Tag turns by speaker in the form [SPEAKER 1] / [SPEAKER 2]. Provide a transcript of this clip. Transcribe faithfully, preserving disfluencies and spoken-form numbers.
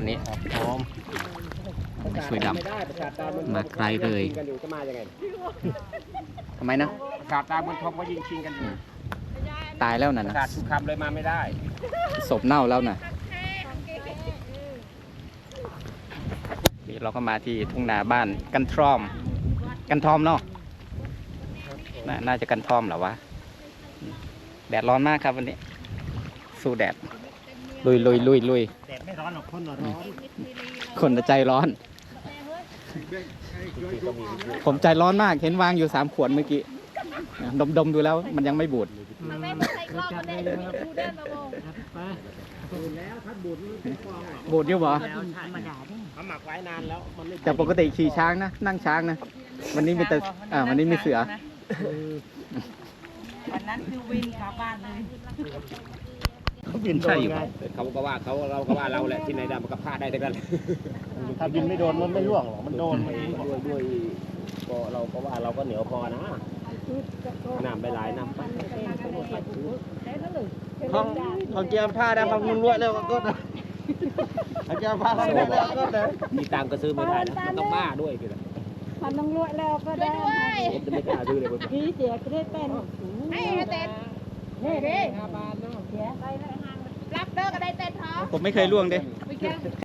[SPEAKER 1] นนี้
[SPEAKER 2] พร้อม
[SPEAKER 1] สวยดำมาไกลเลยทำไมนะ
[SPEAKER 2] ประสาทตาบนทองก็ยิงชิงกันอยู่
[SPEAKER 1] ตายแล้วน่ะ
[SPEAKER 2] ประ
[SPEAKER 1] นะ
[SPEAKER 2] สาททุกคำเลยมาไม่ได้
[SPEAKER 1] ศพเน่าแล้วน่ะนี่เราก็มาที่ทุ่งนาบ้านกันทรอม กันทอมเนาะนน่าจะกันทอมเหรอวะแดดร้อนมากครับวันนี้ สู้แดดลุยลุยลุยลุย
[SPEAKER 2] แดดไม่ร้อนหรอกคนร้อน
[SPEAKER 1] คนใจร้อน ผมใจร้อนมากเห็นวางอยู่สามขวดเมื่อกี้ดมดมดูแล้วมันยังไม่บูดบูดอยู่บ่
[SPEAKER 2] เขาหมักไว้นานแล้วมันไม่
[SPEAKER 1] แต่ปกติขี่ช้างนะนั่งช้างนะวันนี้มีแต่อ่าวันนี้มีเสือ
[SPEAKER 3] วันนั้นคือวิ่งกลับบ้านเลย
[SPEAKER 2] เขาบินใช่อยู่เขาก็ว่าเขาเราก็ว่าเราแหละที่ไหนได้มันก็พลาดได้ทั้งนั้นถ้าบินไม่โดนมันไม่ร่วงหรอกมันโดนด้วยด้วยก็เราก็ว่าเราก็เหนียวพอนะน้ำไปหลายน้ำไปห้องห้องเกียร์ผ้าได้ห้องนุ่นรวยแล้วก็นะห้องเกียร์ผ้าได้แล้วก็นะมีตังก็ซื้อไม่ได้นะต้องบ้าด้วยคือ
[SPEAKER 4] มันต้องรวยแล้วก็ได้
[SPEAKER 2] ผมจะไม่กล้าซื้อเลย
[SPEAKER 4] พี่เสียก็ได้เป็น
[SPEAKER 3] ให้เต้น
[SPEAKER 4] นี่ดิ
[SPEAKER 3] รับเด้อก็ได้เต้นท้อ
[SPEAKER 1] ผมไม่เคยล่วงเด้
[SPEAKER 3] ไปแค่